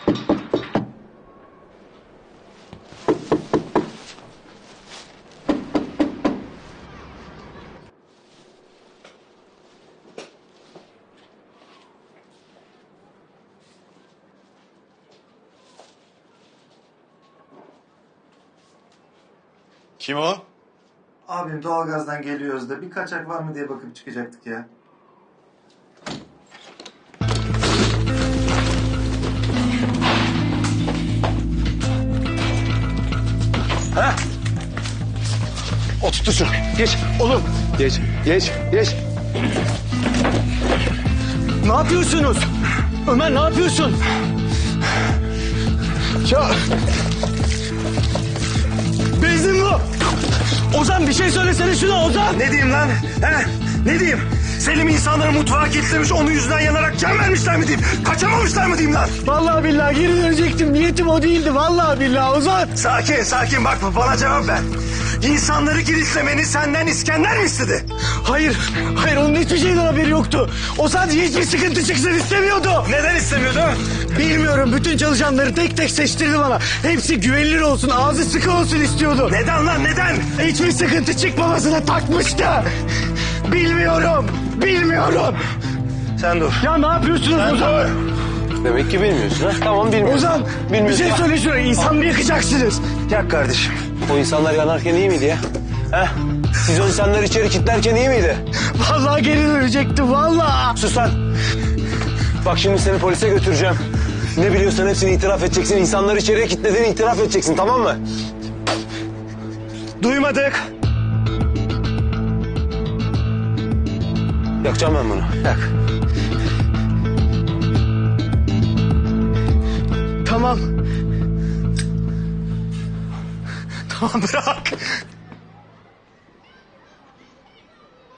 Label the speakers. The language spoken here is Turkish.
Speaker 1: Kim o?
Speaker 2: Abim doğalgazdan geliyoruz da bir kaçak var mı diye bakıp çıkacaktık ya.
Speaker 3: Ha? Oturtur şunu. Geç oğlum. Geç. Ne yapıyorsunuz? Ömer ne yapıyorsun? Ya... Benzin bu. Ozan bir şey söylesene şuna Ozan.
Speaker 4: Ne diyeyim lan? He? Ne diyeyim? Selim insanları mutfağa kilitlemiş, onun yüzünden yanarak can vermişler mi diyeyim? Kaçamamışlar mı diyeyim lan?
Speaker 3: Vallahi billahi geri dönecektim. Niyetim o değildi. Vallahi billahi Ozan.
Speaker 4: Sakin bak bana cevap ver. İnsanları kilitlemeni senden İskender mi istedi?
Speaker 3: Hayır onun hiçbir şeyden haberi yoktu. O sadece hiçbir sıkıntı çıksın istemiyordu.
Speaker 4: Neden istemiyordu?
Speaker 3: Bilmiyorum, bütün çalışanları tek tek seçtirdi bana. Hepsi güvenilir olsun, ağzı sıkı olsun istiyordu.
Speaker 4: Neden lan neden?
Speaker 3: Hiçbir sıkıntı çıkmamasına takmıştı. Bilmiyorum.
Speaker 4: Sen dur.
Speaker 3: Ya ne yapıyorsunuz Ozan?
Speaker 5: Demek ki bilmiyorsun ha? Tamam bilmiyorsun.
Speaker 3: Ozan bir şey söyle şuraya, insan mı yakacaksınız?
Speaker 4: Yak kardeşim.
Speaker 5: O insanlar yanarken iyi miydi ya? Ha? Siz o insanları içeri kilitlerken iyi miydi?
Speaker 3: Vallahi geri dönecektim vallahi.
Speaker 5: Sus lan. Bak şimdi seni polise götüreceğim. Ne biliyorsan hepsini itiraf edeceksin. İnsanları içeriye kilitlediğini itiraf edeceksin, tamam mı?
Speaker 4: Duymadık.
Speaker 5: Yakacağım ben bunu.
Speaker 4: Yak.
Speaker 3: Tamam bırak.